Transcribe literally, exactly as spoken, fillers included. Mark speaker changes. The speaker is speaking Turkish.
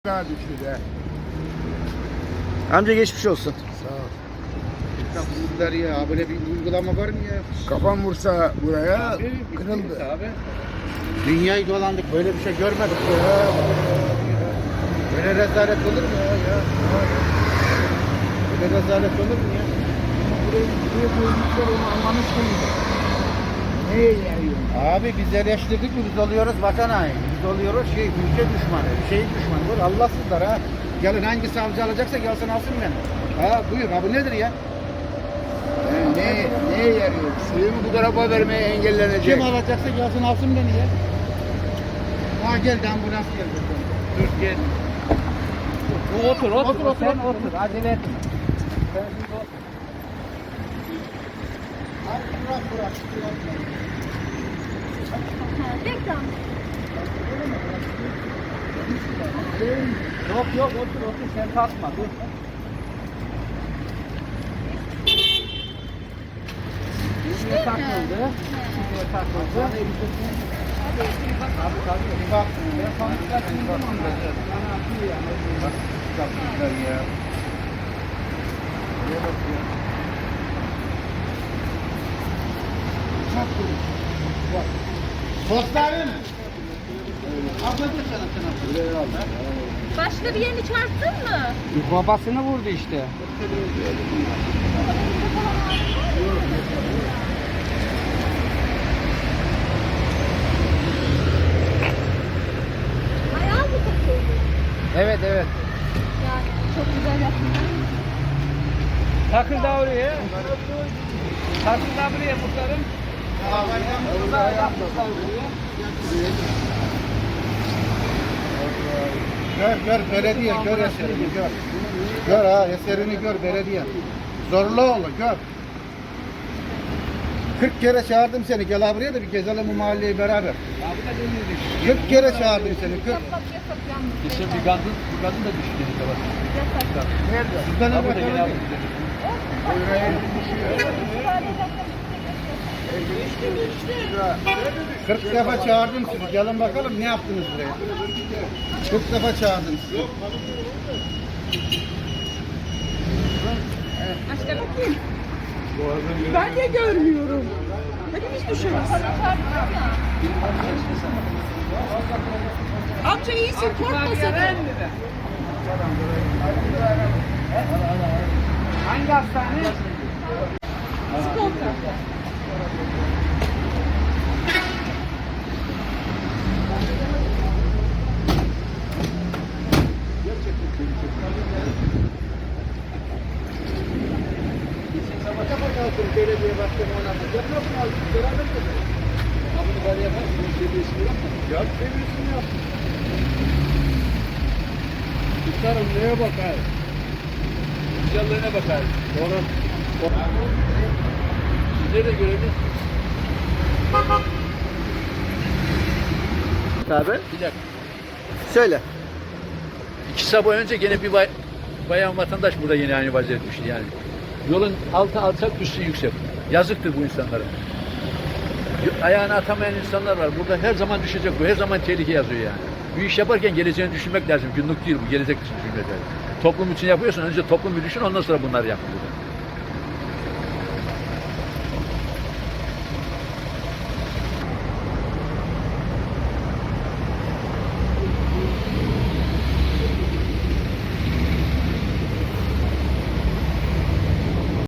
Speaker 1: Daha düştü de.
Speaker 2: Amca geçmiş olsun.
Speaker 1: Sağ ol.
Speaker 3: Bunlar ya böyle bir uygulama var mı ya?
Speaker 1: Kafam vursa buraya
Speaker 3: Abi,
Speaker 1: kırıldı.
Speaker 3: bittiniz abi. Dünyayı dolandık böyle bir şey görmedik ya. Böyle rezalet olur mu ya? ya? Böyle rezalet olur mu ya?
Speaker 1: Buraya, buraya koymuşlar onu anlamıştım. Neye yarıyor?
Speaker 3: Abi biz eleştirdik mi biz oluyoruz vatan haini. Biz oluyoruz şey ülke düşmanı, şey düşmanı. Böyle Allahsızlar ha. Gelin hangi savcı alacaksa gelsin alsın beni. Ha buyur abi nedir ya?
Speaker 1: Yani ne, neye yarıyor? Suyumu bu tarafa vermeye engellenecek.
Speaker 3: Kim alacaksa gelsin alsın beni ya. Ha geldi ambulans geldi. Dur gel.
Speaker 2: Otur otur,
Speaker 3: Otur, otur,
Speaker 2: sen
Speaker 3: otur.
Speaker 2: otur. Acele etme. Sen şimdi otur.
Speaker 3: Abi bırak bırak.
Speaker 4: Reklam.
Speaker 2: Yok yok otur otur sen kalkma dur. Niye takıldı? Niye takıldı? Abi tabii.
Speaker 3: Bir bak.
Speaker 2: Ben pamuklar çizdim onları. Bana atıyor yani.
Speaker 3: Bak yapmışlar ya. Neye bak ya. Postane mi? Ablacık sana sana. Buraya al.
Speaker 4: Başka bir yerini çarptın mı?
Speaker 2: Babasını vurdu işte.
Speaker 4: Ayağı mı takıldı?
Speaker 2: Evet evet.
Speaker 4: Yani çok güzel yaptın.
Speaker 2: Takıl da oraya. Takıl da buraya muhtarım. Burada yapmışlar buraya.
Speaker 3: Gör gör belediye gör eserini gör. Gör ha eserini gör belediye. Zorlu oğlu gör. kırk kere çağırdım seni gel buraya da bir gezelim bu mahalleyi beraber. kırk kere çağırdım seni kırk.
Speaker 4: Yasak yasak yalnız.
Speaker 5: Geçen bir kadın, bir kadın da düştü dedi bak.
Speaker 4: Yasak.
Speaker 1: Nerede?
Speaker 3: Sizden
Speaker 5: Ha
Speaker 3: evvel
Speaker 5: burada gene
Speaker 3: kalın. kırk defa çağırdım sizi. Gelin bakalım ne yaptınız buraya? kırk defa çağırdım sizi.
Speaker 4: Başka bakayım. Ben de görmüyorum. Hepimiz düşüyoruz. Amca iyisin korkma sakın.
Speaker 2: Hangi hastane?
Speaker 4: Sigorta.
Speaker 3: Belediye başkanı oynatacak. Yapıyor mu abi? Beraber yapalım. Abi bunu bari yapar. Bunun seviyesini yap. Yap seviyesini yap.
Speaker 5: Tutarım neye bakar? Güzelliğine bakar. Doğru. Sizleri de görelim.
Speaker 2: Abi.
Speaker 5: Bir dakika.
Speaker 2: Söyle.
Speaker 5: İki sabah önce gene bir bay, bayan vatandaş burada yine aynı vaziyet düştü yani. Yolun altı alçak, üstü yüksek. Yazıktır bu insanlara. Ayağını atamayan insanlar var. Burada her zaman düşecek bu. Her zaman tehlike yazıyor yani. Bir iş yaparken geleceğini düşünmek lazım. Günlük değil bu. Gelecek için düşünmek lazım. Toplum için yapıyorsan önce toplum bir düşün ondan sonra bunları yap.